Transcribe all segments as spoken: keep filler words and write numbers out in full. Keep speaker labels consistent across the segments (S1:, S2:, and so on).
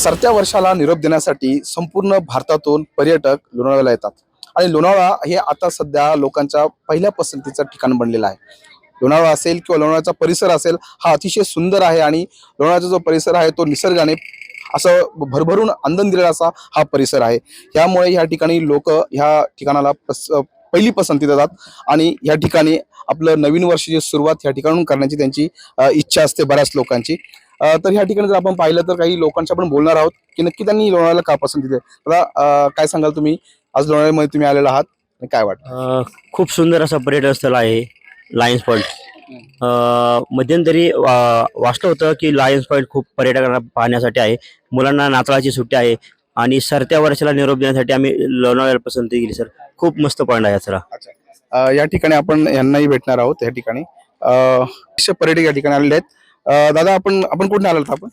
S1: सरत्या वर्षाला निरोप देण्यासाठी संपूर्ण भारतातून पर्यटक लोणावळ्याला येतात आणि लोणावळा हे आता सध्या लोकांच्या पहिल्या पसंतीचं ठिकाण बनलेलं आहे. लोणावळा असेल किंवा लोणावळ्याचा परिसर असेल हा अतिशय सुंदर आहे आणि लोणावळ्याचा जो परिसर आहे तो निसर्गाने असं भरभरून आनंद दिलेला असा हा परिसर आहे. यामुळे ह्या ठिकाणी लोक ह्या ठिकाणाला पस पहिली पसंती देतात आणि या ठिकाणी आपलं नवीन वर्षाची सुरुवात ह्या ठिकाणून करण्याची त्यांची इच्छा असते बऱ्याच लोकांची. तर ह्या ठिकाणी जर आपण पाहिलं तर काही लोकांशी आपण बोलणार आहोत की नक्की त्यांनी लोणावळ्याला का पसंती दिली. मला काय सांगाल तुम्ही, आज लोणावळ्यामध्ये तुम्ही आलेला आहात आणि काय वाटतं?
S2: खूप सुंदर असं पर्यटन स्थळ आहे लायन्स पॉईंट. मध्यंतरी वाचलं होतं की लायन्स पॉईंट खूप पर्यटकांना पाहण्यासाठी आहे. मुलांना नाताळाची सुट्टी आहे आणि सरत्या वर्षाला निरोप देण्यासाठी आम्ही लोणावळ्याला पसंती केली सर. खूप मस्त पॉईंट आहे सर.
S1: अच्छा, या ठिकाणी आपण यांनाही भेटणार आहोत. या ठिकाणी पर्यटक या ठिकाणी आलेले आहेत. दादा आपण आपण कुठे आलात? आपण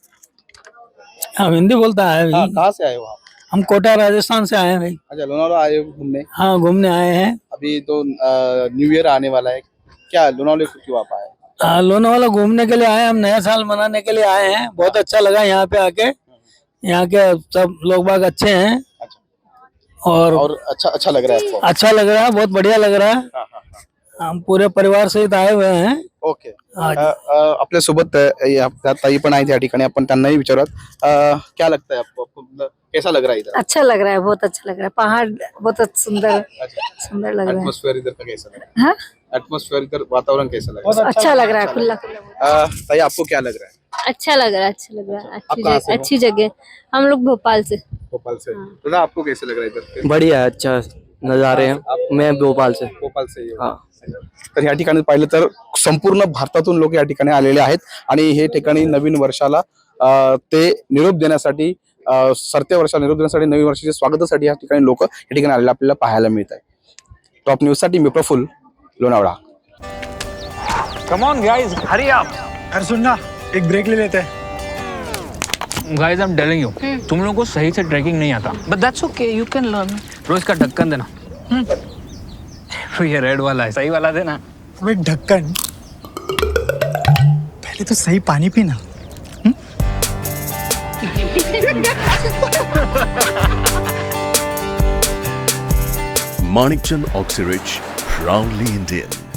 S3: हम हिंदी बोलता है।
S1: कहाँ से आए हो आप?
S3: हम कोटा राजस्थान से आए हैं भाई।
S1: अच्छा, लोनावला आए हो घूमने?
S3: हाँ, घूमने आए हैं।
S1: अभी तो न्यू ईयर आने वाला है, क्या लोनावले को क्यों आप आए?
S3: हाँ, लोनावाला घूमने के लिए आए, हम नया साल मनाने के लिए आए हैं। बहुत अच्छा लगा यहाँ पे आके। यहाँ के सब लोग बाग अच्छे हैं। और
S1: और अच्छा अच्छा लग रहा है आपको?
S3: अच्छा लग रहा है, बहुत बढ़िया लग रहा है। हम पूरे परिवार सहित आए हुए हैं।
S1: ओके. आपल्या सोबत ताई पण आहेत या ठिकाणी, आपण त्यांनाही विचारत क्या लगता है आपको, आपको कैसा लग रहा है इधर?
S4: अच्छा लग रहा है, बहुत अच्छा लग रहा है। पहाड़ बहुत सुंदर सुंदर लग रहा है।
S1: एटमॉस्फेयर इधर का कैसा लग रहा है?
S4: हाँ,
S1: एटमॉस्फेयर इधर वातावरण कैसा लग रहा है?
S4: अच्छा लग रहा है, खुला खुला।
S1: ताई आपको क्या लग रहा है?
S4: अच्छा लग रहा है, अच्छा लग रहा है।
S1: आप
S4: अच्छी
S1: कहाँ
S4: जगह
S1: से हो?
S4: अच्छी जगह। हम लोग भोपाल से।
S1: भोपाल से। तो आपको कैसे लग रहा है इधर?
S2: बढ़िया, अच्छा नजारे हैं। मैं भोपाल से।
S1: भोपाल से ही हो? तर या ठिकाणी पाहिलं तर संपूर्ण भारतातून लोक या ठिकाणी आलेले आहेत आणि हे ठिकाणी नवीन वर्षाला ते निरोप देण्यासाठी, सरत्या वर्षाला निरोप देण्यासाठी, नवीन वर्षाच्या स्वागतासाठी या ठिकाणी लोक या ठिकाणी आलेले आपल्याला पाहायला मिळत आहे. टॉप न्यूज साठी मी Praful, Lonavala.
S5: Come on guys, hurry up.
S6: अरे सुन ना, एक ब्रेक ले लेते हैं.
S5: Guys, I am telling you, तुम लोगों को सही से ट्रैकिंग नहीं आता. But that's okay, you can learn. रोज का ढक्कन देना. तो ये रेड वाला है, सही वाला देना.
S6: अबे ढक्कन, पहले तो सही पानी पीना.
S7: Manikchand Oxyrich, proudly Indian.